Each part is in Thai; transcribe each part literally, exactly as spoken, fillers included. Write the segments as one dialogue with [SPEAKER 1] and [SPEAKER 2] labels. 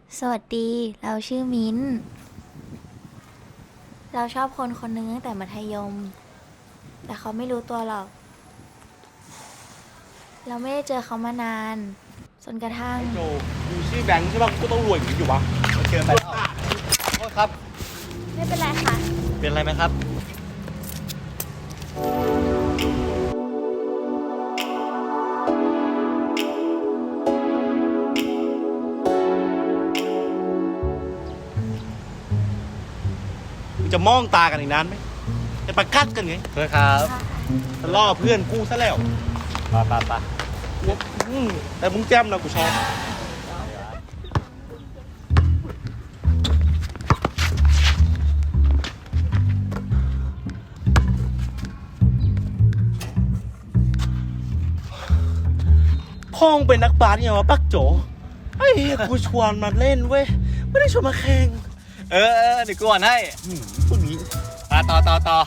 [SPEAKER 1] สวัสดี เราชื่อมิ้น เราชอบคนคนหนึงตั้งแต่มัธยม แต่เขาไม่รู้ตัวหรอก เราไม่ได้เจอเขามานาน จนกระทั่ง
[SPEAKER 2] โจกูชื่อแบงค์ใช่ป่ะกูก็ต้องรวยอย่างนี้อยู่วะ
[SPEAKER 3] เกินไปแล้วโทษครับ
[SPEAKER 1] ไม่เป็นไรค่ะ
[SPEAKER 3] เป็นอะไรไหมครับ
[SPEAKER 2] มึงจะมองตากันอีกนานไหมจะประกัดกันไง
[SPEAKER 3] โทษครับ
[SPEAKER 2] จะล่อเพื่อนกูซะแล้ว
[SPEAKER 3] ไปไปไป
[SPEAKER 2] อืมแต่มึงแจ่มนะกูชอบพ่องเป็นนักบาสเนี่ยวะปักโจไอ้เหี้ยกูชวนมาเล่นเว้ยไม่ได้ชวนมาแข่ง
[SPEAKER 3] เออเออเดี๋ยวกูอ่านให้
[SPEAKER 2] อืมพวกนี้
[SPEAKER 3] มาต่อต่อต่อ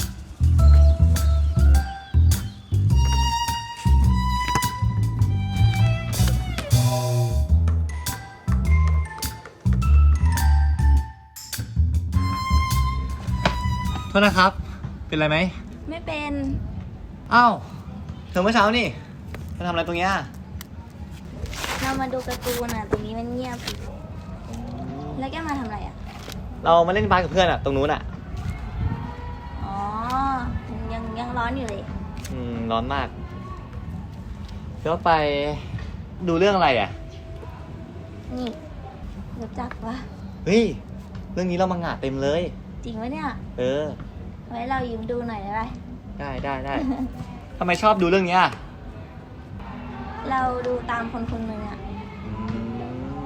[SPEAKER 3] โทษนะครับ เป็นไรไหม
[SPEAKER 1] ไม่เป็น
[SPEAKER 3] อ้าวเธอเมื่อเช้านี่เธอทำอะไรตรงเนี้ย
[SPEAKER 1] เรามาดูการ์ตูนอ่ะ ตรงนี้มันเงียบ แล้วแกมาทำอะไรอ่ะ
[SPEAKER 3] เรามาเล่นบาสกับเพื่อนอะตรงนู้นอะ
[SPEAKER 1] อ๋อ ยังยังร้อนอยู่เลย
[SPEAKER 3] อืมร้อนมากแล้วไปดูเรื่องอะไรอะ
[SPEAKER 1] นี่ รู้จักปะ
[SPEAKER 3] เฮ้ยเรื่องนี้เรามังงะเต็มเลย
[SPEAKER 1] จริงปะเนี่ย
[SPEAKER 3] เออ
[SPEAKER 1] ไว้เรายืมดูหน่อยได้ไหม
[SPEAKER 3] ได้ได้ได้ ทำไมชอบดูเรื่องเนี้ย
[SPEAKER 1] เราดูตามคนคนหนึ่งอ่ะ
[SPEAKER 3] อืม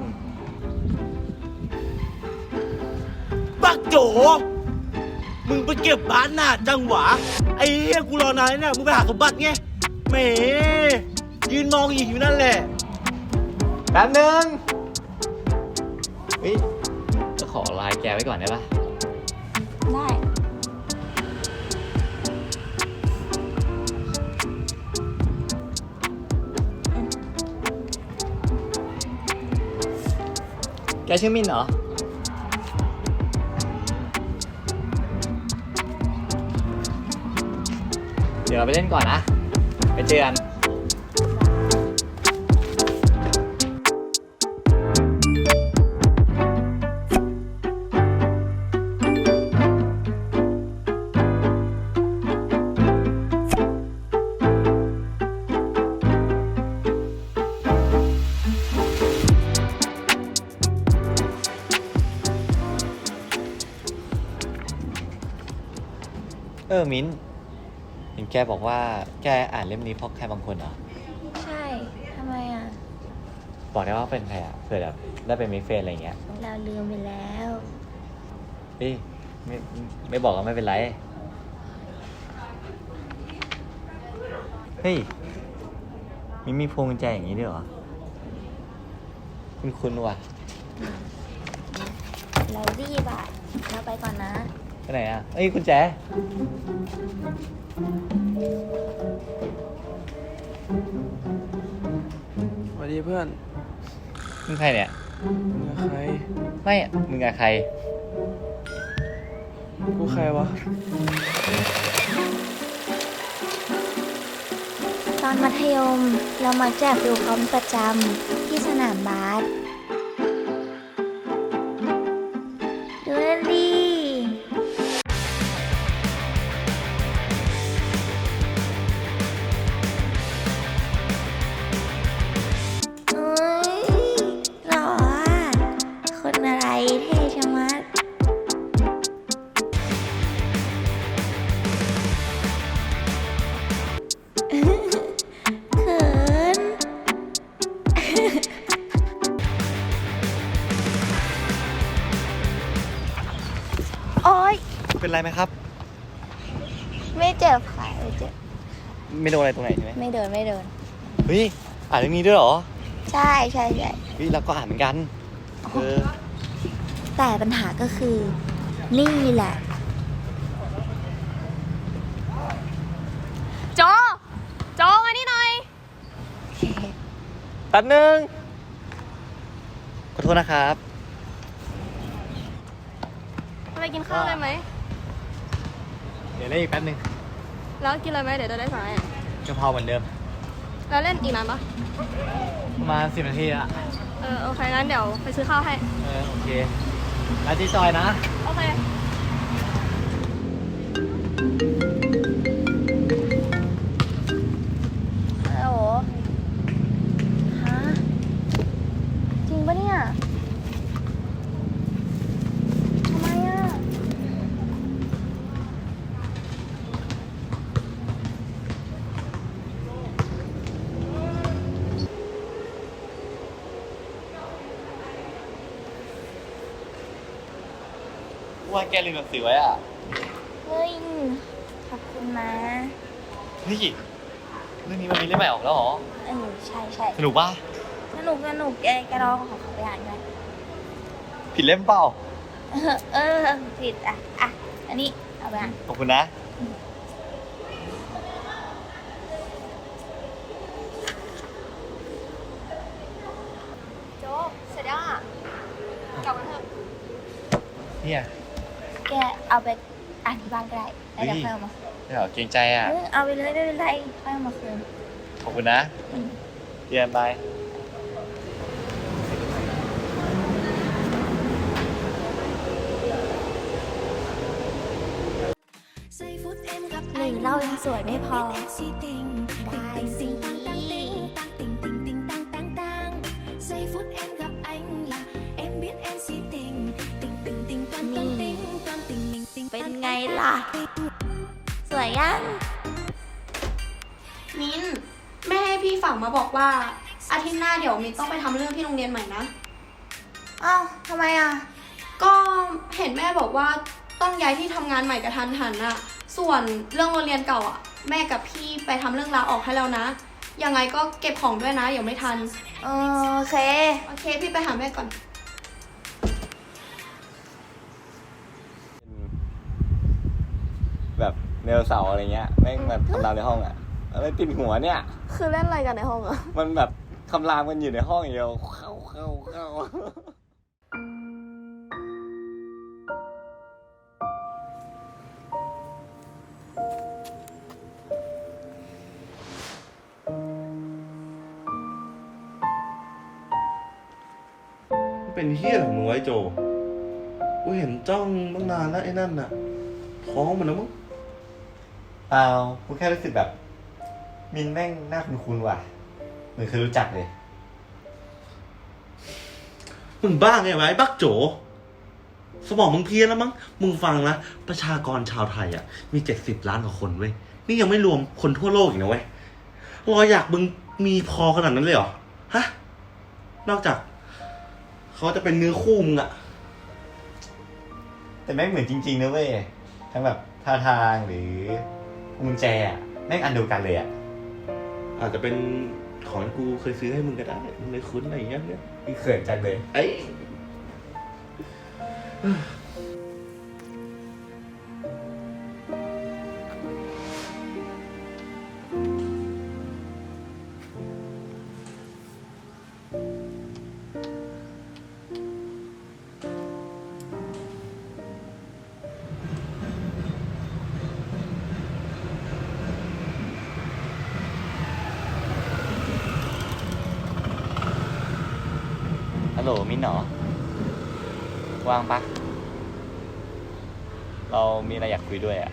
[SPEAKER 2] ปักโจมึงไปเก็บบ้านหน้าจังหวะไอ้เหี้ยกูรอนานแล้วเนี่ยมึงไปหาสมบัติไงแหมยืนมองอีกอยู่นั่นแหละ
[SPEAKER 3] แป๊บนึงเฮ้ยจะขอไลน์แกไว้ก่อนได้ปะ
[SPEAKER 1] ได้
[SPEAKER 3] แกชื่อมินเหรอ เดี๋ยวเราไปเล่นก่อนนะ ไปเจอกัน เออ มิ้นเห็นแกบอกว่าแกอ่านเล่มนี้เพราะใครบางคนเหรอ
[SPEAKER 1] ใช่ ทำไมอ่ะ
[SPEAKER 3] บอกได้ว่าเป็นใครอ่ะเผื่อแบบได้เป็นมิตรเฟรนด์อะไรอย่างเงี้ย
[SPEAKER 1] เราลืมไปแล้ว
[SPEAKER 3] เฮ้ยไม่ไม่บอกก็ไม่เป็นไร เฮ้ยมินมีพวงกุญแจอย่างนี้ด้วยเหรอ คุณคุณว่ะ
[SPEAKER 1] เรารีบอ่ะ เราไปก่อนนะ
[SPEAKER 3] ไปไหนอ่ะเอ้ยกุญแจ
[SPEAKER 4] สวัสดีเพื่อน
[SPEAKER 3] มึงใครเนี่ย
[SPEAKER 4] มึงกับใคร
[SPEAKER 3] ไม่อะมึงกับใคร
[SPEAKER 4] กูใครวะ
[SPEAKER 1] ตอนมัธยมเรามักจะดูพร้อมประจำที่สนามบาสดูนั่นดิเอ้ยหล่ออ่ะ คนอะไรเท่ชะมัด เขิน โอ๊ย
[SPEAKER 3] เป็นไรไหมครับ
[SPEAKER 1] ไม่เจ็บค่ะไม่เจ็บ
[SPEAKER 3] ไม่โดนอะไรตรงไหนใช่ไหม
[SPEAKER 1] ไม่เดินไม่เดิน
[SPEAKER 3] เฮ้ยอ่านเรื่องนี้ด้วยเหรอ
[SPEAKER 1] ใช่ใช่ใช่
[SPEAKER 3] เฮ้ยเราก็อ่านเหมือนกัน เออ
[SPEAKER 1] แต่ปัญหาก็คือ นี่แหละ
[SPEAKER 5] โจ โจมานี่หน่อย
[SPEAKER 3] แป๊บนึง ขอโทษนะครับ
[SPEAKER 5] ไปกินข้าวเลยไหม
[SPEAKER 3] เดี๋ยวเล่นอีกแป๊บนึง
[SPEAKER 5] แล้วกินเลยไหมเดี๋ยวจะได้สั่งให้
[SPEAKER 3] กะเพราเหมือนเดิม
[SPEAKER 5] แล้วเล่นอีกนานปะ
[SPEAKER 3] ประมาณสิบนาทีอะ
[SPEAKER 5] เออโอเคงั้นเดี๋ยวไปซื้อข้าวให้
[SPEAKER 3] เออโอเคร้านที่ซอยนะ
[SPEAKER 5] โอเค
[SPEAKER 1] ฮัลโหลฮะ จริงปะเนี่ย ทำไมอ่ะ
[SPEAKER 3] ว่าแกลืมหนังสือไว้อ่ะ
[SPEAKER 1] เฮ้ย ขอบคุณนะ
[SPEAKER 3] นี่เรื่องนี้มันมีเล่มใหม่ออกแล้วเหรอ
[SPEAKER 1] เออ ใช่ใช่
[SPEAKER 3] สนุกป่ะ
[SPEAKER 1] สนุกสนุกแกแกลองของเขาไปอ่านด้วย
[SPEAKER 3] ผิดเล่มเปล่า
[SPEAKER 1] เออ เออ ผิดอ่ะ อ่ะ อันนี้ เอาไปอ่าน
[SPEAKER 3] ขอบคุณนะ
[SPEAKER 5] โจ๊กเสร็จยังอ่ะ กลับกันเถอะ
[SPEAKER 3] เนี่ย
[SPEAKER 1] แกเอาไปอ่านที่บ้านก็ได้แล้วเดี๋ยวค่อยเอามา
[SPEAKER 3] เดี๋ยวเกรงใจอ่ะ
[SPEAKER 1] เออเอาไปเลยไม่เป็นไรค่อยเอามาคืน
[SPEAKER 3] ขอบคุณนะ
[SPEAKER 1] อืม
[SPEAKER 3] เรียนไป
[SPEAKER 1] หรือเรายังสวยไม่พอ ได้สิ เป็นไงล่ะ สวยยัง
[SPEAKER 5] มิ้นแม่ให้พี่ฝากมาบอกว่า อาทิตย์หน้าเดี๋ยวมิ้นต้องไปทำเรื่องที่โรงเรียนใหม่นะ
[SPEAKER 1] อ้าวทำไมอ่ะ
[SPEAKER 5] ก็เห็นแม่บอกว่าต้องย้ายที่ทำงานใหม่กระทันหันอะส่วนเรื่องโรงเรียนเก่าอะแม่กับพี่ไปทำเรื่องลาออกให้แล้วนะ ยังไงก็เก็บของด้วยนะเดี๋ยวไม่ทัน
[SPEAKER 1] เออโอเค
[SPEAKER 5] โอเคพี่ไปหาแม่ก่อน
[SPEAKER 3] แบบเนวเสาร์อะไรเงี้ยแม่งแบบคำรามในห้องอ่ะอะไรติดหัวเนี่ย
[SPEAKER 5] คือเล่นอะไรกันในห้องอะ
[SPEAKER 3] มันแบบคำรามกันอยู่ในห้องอย่างเดียวเข้าเข้าเข้า
[SPEAKER 2] เป็นเฮี้ยของมึงไว้โจ กูเห็นจ้องตั้งนานแล้วไอ้นั่นน่ะ ท้องมันแล้วมั้ง
[SPEAKER 3] เปล่ากูแค่รู้สึกแบบ มินแม่งหน้าคุ้นๆว่ะเหมือนเคยรู้จักเลย
[SPEAKER 2] มึงบ้าไงวะไอ้บักโจ สมองมึงเพี้ยนแล้วมั้ง มึงฟังนะ ประชากรชาวไทยอ่ะ มีเจ็ดสิบล้านกว่าคนเว้ย นี่ยังไม่รวมคนทั่วโลกอีกนะเว้ย รอยอยากมึงมีพอขนาดนั้นเลยเหรอ ฮะ นอกจาก เขาจะเป็นเนื้อคู่มึงอะ
[SPEAKER 3] แต่แม่งเหมือนจริงๆนะเว้ยทั้งแบบท่าทางหรือกุญแจอะแม่งอันเดียวกันเลยอ่ะ
[SPEAKER 2] อาจจะเป็นของที่กูเคยซื้อให้มึงก็ได้ มึงเลยคุ้นอะไรอย่างเงี้ยเนี่ย
[SPEAKER 3] พี่เขินจังเลย
[SPEAKER 2] ไอ้
[SPEAKER 3] ฮัลโหลมินหนอว่างปะเรามีอะไรอยากคุยด้วยอ่ะ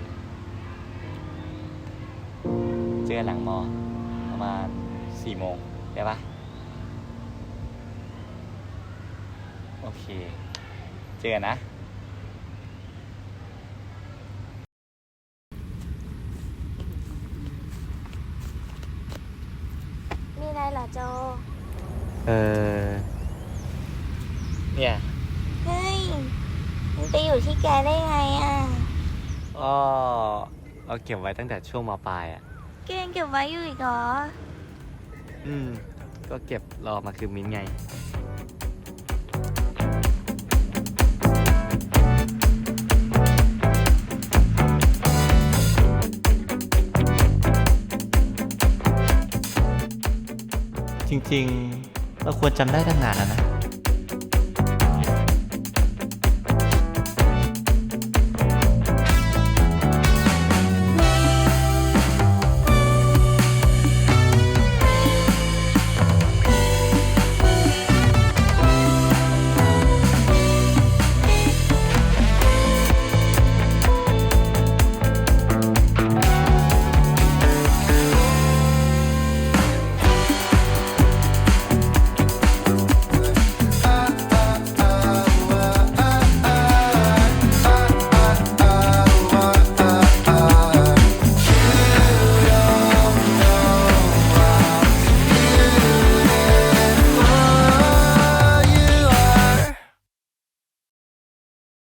[SPEAKER 3] เจอกันหลังมอ ประมาณสี่โมงได้ปะโอเค เจอกันนะ
[SPEAKER 1] มีอะไรเหรอโจ
[SPEAKER 3] เออ เนี่ย
[SPEAKER 1] เฮ้ย มันไปอยู่ที่แกได้ไงอ่ะ
[SPEAKER 3] ก็เราเก็บไว้ตั้งแต่ช่วงมปลายอ่ะ
[SPEAKER 1] แกยังเก็บไว้อยู่อีกเหรอ
[SPEAKER 3] อืม ก็เก็บรอมาคือมิ้นไง จริงๆ เราควรจำได้ตั้งนานแล้วนะ